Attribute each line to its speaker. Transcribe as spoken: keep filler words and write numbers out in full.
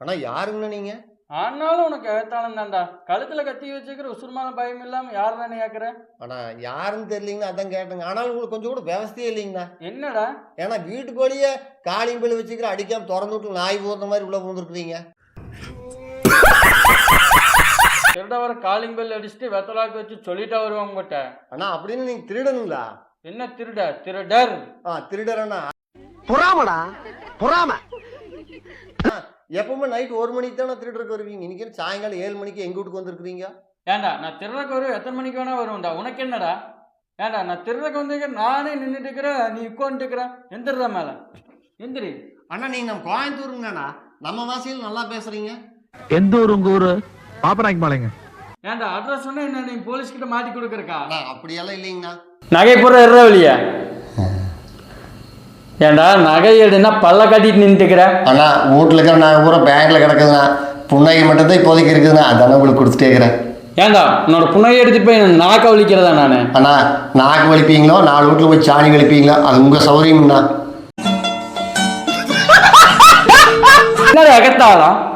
Speaker 1: ஆனா யாருங்கண்ணா நீங்க?
Speaker 2: ஆனாலும் உனக்கு எகத்தாலும் தான்டா. கழுத்துல கத்தி வச்சுக்கிற உசுருமான பயம் இல்லாம யார் தானே கேட்குற?
Speaker 1: ஆனா யாருன்னு தெரியலீங்கண்ணா, அதான் கேட்டேங்க. ஆனாலும் உங்களுக்கு கொஞ்சம் கூட விவசாயே இல்லைங்கண்ணா.
Speaker 2: என்னடா
Speaker 1: ஏன்னா வீட்டுக்குள்ளேயே காளிங் பில் வச்சுக்கிற அடிக்காம திறந்து விட்டு நாய் போகிற மாதிரி உள்ள பூந்துருக்குறீங்க.
Speaker 2: திருட வர காலிங் பெல் அடிச்சுட்டு வெத்தலாக்கு வச்சு சொல்லிட்டா வருவாங்க உங்ககிட்ட.
Speaker 1: அண்ணா அப்படின்னு நீங்க திருடனுங்களா?
Speaker 2: என்ன திருட? திருடர்.
Speaker 1: ஆ திருடரண்ணா.
Speaker 3: பொறாமடா பொறாம.
Speaker 1: எப்பவுமே நைட் ஒரு மணிக்கு தானே திருடருக்கு வருவீங்க. இன்னைக்கு சாயங்காலம் ஏழு மணிக்கு எங்க வீட்டுக்கு வந்திருக்கிறீங்க.
Speaker 2: ஏண்டா நான் திருடக்கு வரும் எத்தனை மணிக்கு வேணா வருவேன்டா. உனக்கு என்னடா? ஏண்டா நான் திருடக்கு வந்து நானே நின்றுட்டு இருக்கிறேன், நீ உட்காந்துட்டு இருக்கிற. எந்திரதா மேல எந்திரி.
Speaker 1: அண்ணா நீங்க நம்ம கோயம்புத்தூருங்கண்ணா, நம்ம வாசியில் நல்லா பேசுறீங்க.
Speaker 3: எந்த ஊர் உங்க ஊரு? பாப்பநாய்க்கு மாலைங்க.
Speaker 2: ஏண்டா அட்ரஸ் சொன்னா என்ன நீ போலீஸ் கிட்ட மாட்டி கொடுக்குறக்கா?
Speaker 1: அப்படியெல்லாம் இல்லைங்கண்ணா.
Speaker 2: நகை பூரா இருற வழியா? ஏண்டா நகை எடுனா பல்ல கட்டிட்டு நின்றுக்கிற.
Speaker 1: அண்ணா வீட்டில் இருக்கிற நகை பூரா பேங்க்ல கிடக்குதுண்ணா. புன்னகை மட்டும் தான் இப்போதைக்கு இருக்குதுண்ணா, அதானே உங்களுக்கு கொடுத்துட்டே இருக்கிறேன்.
Speaker 2: ஏண்டா உன்னோட புன்னகை எடுத்துட்டு போய் நாக்க வலிக்கிறதா நானு?
Speaker 1: அண்ணா நாக்கு வலிப்பீங்களோ நாலு வீட்டில் போய் சாணி வலிப்பீங்களோ அது உங்க சௌரியம்ண்ணா.
Speaker 2: என்னடா எகத்தாளம்?